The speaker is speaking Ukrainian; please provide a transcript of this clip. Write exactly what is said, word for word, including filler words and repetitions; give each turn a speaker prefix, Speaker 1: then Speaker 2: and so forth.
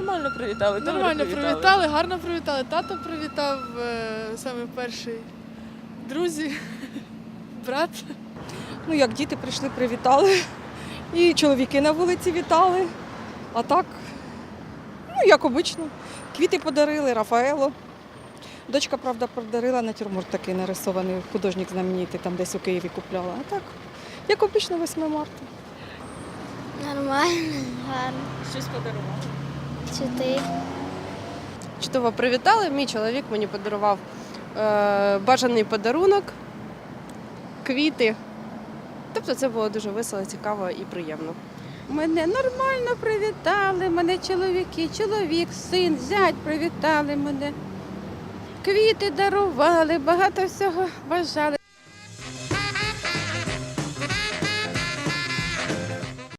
Speaker 1: Нормально привітали. добре
Speaker 2: Нормально привітали, гарно привітали. Тато привітав е, саме перший. Друзі, брат.
Speaker 3: Ну, як діти прийшли, привітали. І чоловіки на вулиці вітали. А так, ну, як обично. Квіти подарили, Рафаело. Дочка, правда, подарила натюрморт такий нарисований, художник знаменитий, там десь у Києві купляла. А так, як обично, восьме марта.
Speaker 4: Нормально, гарно.
Speaker 1: Щось подарували.
Speaker 4: Чи ти?
Speaker 5: Чудово привітали. Мій чоловік мені подарував е, бажаний подарунок, квіти. Тобто це було дуже весело, цікаво і приємно.
Speaker 6: Мене нормально привітали, мене чоловіки, чоловік, син, зять привітали мене. Квіти дарували, багато всього бажали.